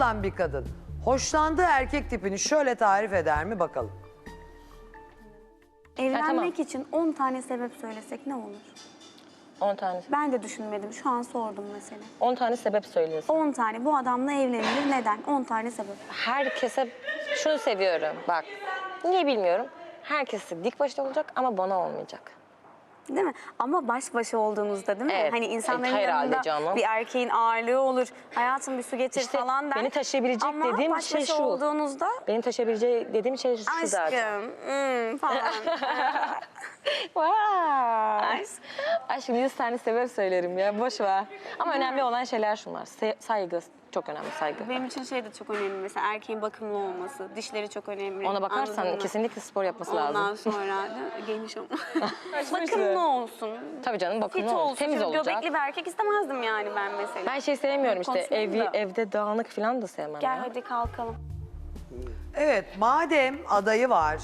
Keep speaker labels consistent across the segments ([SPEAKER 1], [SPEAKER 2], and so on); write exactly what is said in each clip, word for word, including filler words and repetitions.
[SPEAKER 1] olan bir kadın hoşlandığı erkek tipini şöyle tarif eder mi bakalım.
[SPEAKER 2] Evlenmek
[SPEAKER 3] tamam.
[SPEAKER 2] için on tane sebep söylesek ne olur?
[SPEAKER 3] on tane.
[SPEAKER 2] Ben de düşünmedim. Şu an sordum mesela.
[SPEAKER 3] on tane sebep söylüyorsun.
[SPEAKER 2] on tane. Bu adamla evlenilir. Neden? on tane sebep.
[SPEAKER 3] Herkese şunu seviyorum. Bak, niye bilmiyorum. Herkesi dik başta olacak ama bana olmayacak.
[SPEAKER 2] Değil mi? Ama baş başa olduğunuzda değil mi?
[SPEAKER 3] Evet.
[SPEAKER 2] Hani insanların
[SPEAKER 3] Evet, herhalde
[SPEAKER 2] yanında
[SPEAKER 3] canım.
[SPEAKER 2] bir erkeğin ağırlığı olur. Hayatım bir su getir
[SPEAKER 3] İşte
[SPEAKER 2] falan der.
[SPEAKER 3] beni taşıyabilecek
[SPEAKER 2] Ama
[SPEAKER 3] dediğim
[SPEAKER 2] baş
[SPEAKER 3] şey
[SPEAKER 2] başa
[SPEAKER 3] şu.
[SPEAKER 2] olduğunuzda
[SPEAKER 3] Benim taşıyabileceği dediğim şey şu zaten.
[SPEAKER 2] aşkım hmm, falan.
[SPEAKER 3] Vay. Aşkım yüz tane sebep söylerim ya, boş ver. Ama önemli olan şeyler şunlar. Se- saygı, çok önemli saygı.
[SPEAKER 2] Benim için şey de çok önemli. Mesela erkeğin bakımlı olması, dişleri çok önemli.
[SPEAKER 3] Ona bakarsan
[SPEAKER 2] Anladın mı?
[SPEAKER 3] kesinlikle spor yapması
[SPEAKER 2] Ondan
[SPEAKER 3] lazım.
[SPEAKER 2] sonra da geniş olma. Bakımlı olsun.
[SPEAKER 3] Tabii canım,
[SPEAKER 2] Fit
[SPEAKER 3] bakımlı olsun,
[SPEAKER 2] olsun.
[SPEAKER 3] temiz
[SPEAKER 2] Şöyle
[SPEAKER 3] olacak.
[SPEAKER 2] göbekli bir erkek istemezdim yani ben mesela.
[SPEAKER 3] Ben şey sevmiyorum işte,
[SPEAKER 2] Konuşmayayım
[SPEAKER 3] evi,
[SPEAKER 2] da.
[SPEAKER 3] evde dağınık falan da sevmem
[SPEAKER 2] Gel
[SPEAKER 3] ya.
[SPEAKER 2] hadi kalkalım.
[SPEAKER 1] Evet, madem adayı var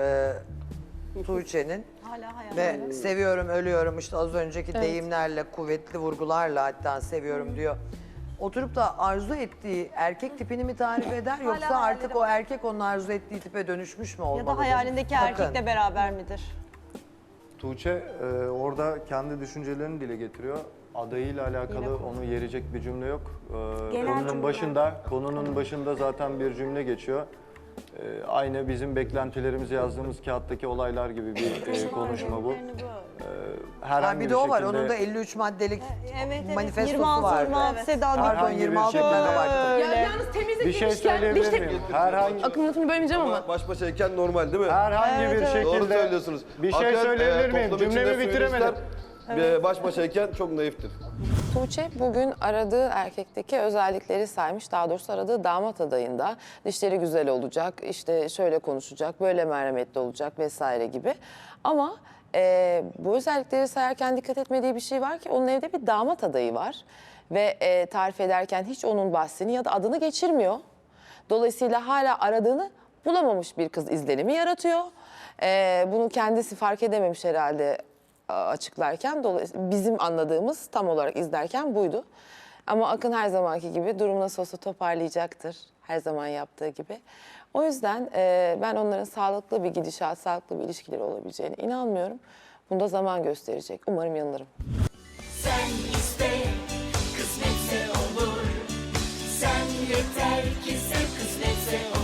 [SPEAKER 1] e, Tuğçe'nin ve seviyorum, ölüyorum işte az önceki deyimlerle, kuvvetli vurgularla hatta seviyorum diyor. Oturup da arzu ettiği erkek tipini mi tarif eder yoksa artık o erkek onun arzu ettiği tipe dönüşmüş mü olmalıdır?
[SPEAKER 4] Ya da hayalindeki
[SPEAKER 1] Bakın,
[SPEAKER 4] erkekle beraber midir?
[SPEAKER 5] Tuğçe e, orada kendi düşüncelerini dile getiriyor. Adayıyla alakalı onu yerecek bir cümle yok. E,
[SPEAKER 2] Genel
[SPEAKER 5] konunun
[SPEAKER 2] cümle.
[SPEAKER 5] başında, konunun başında zaten bir cümle geçiyor. E, aynı bizim beklentilerimizi yazdığımız kağıttaki olaylar gibi bir e, konuşma bu. E,
[SPEAKER 1] Ha,
[SPEAKER 5] herhangi
[SPEAKER 1] bir de o var,
[SPEAKER 5] şekilde-
[SPEAKER 1] onun da elli üç maddelik
[SPEAKER 4] Evet evet.
[SPEAKER 1] manifestosu
[SPEAKER 4] yirmi altı
[SPEAKER 1] vardı.
[SPEAKER 4] yirmi altı Seda
[SPEAKER 1] Pardon,
[SPEAKER 5] Herhangi bir
[SPEAKER 1] yirmi altı
[SPEAKER 5] şekilde-
[SPEAKER 1] tane baktım.
[SPEAKER 4] Öyle.
[SPEAKER 6] Yalnız temizlik
[SPEAKER 5] Bir şey
[SPEAKER 6] demişken,
[SPEAKER 5] söyleyebilir
[SPEAKER 6] işte-
[SPEAKER 5] miyim? Herhangi,
[SPEAKER 6] Akım lafını bölmeyeceğim ama.
[SPEAKER 7] Baş başayken normal değil mi?
[SPEAKER 5] herhangi bir şekilde...
[SPEAKER 7] Doğru söylüyorsunuz.
[SPEAKER 5] Bir şey
[SPEAKER 7] Hakikaten,
[SPEAKER 5] söyleyebilir
[SPEAKER 7] e,
[SPEAKER 5] miyim?
[SPEAKER 7] toplum içinde
[SPEAKER 5] Cümlemi bitiremedim.
[SPEAKER 7] feministler, e, Baş başayken çok naiftir.
[SPEAKER 8] Tuğçe bugün aradığı erkekteki özellikleri saymış. Daha doğrusu aradığı damat adayında dişleri güzel olacak, işte şöyle konuşacak, böyle merhametli olacak vesaire gibi. Ama e, bu özellikleri sayarken dikkat etmediği bir şey var ki onun evde bir damat adayı var. Ve e, tarif ederken hiç onun bahsini ya da adını geçirmiyor. Dolayısıyla hala aradığını bulamamış bir kız izlenimi yaratıyor. E, bunu kendisi fark edememiş herhalde açıklarken. Dolayısıyla bizim anladığımız tam olarak izlerken buydu. Ama Akın her zamanki gibi durum nasıl olsa toparlayacaktır. Her zaman yaptığı gibi. O yüzden e, ben onların sağlıklı bir gidişat, sağlıklı bir ilişkileri olabileceğine inanmıyorum. Bunu da zaman gösterecek. Umarım yanılırım.
[SPEAKER 9] Sen iste, kısmetse olur. Sen yeter ki sev, kısmetse olur.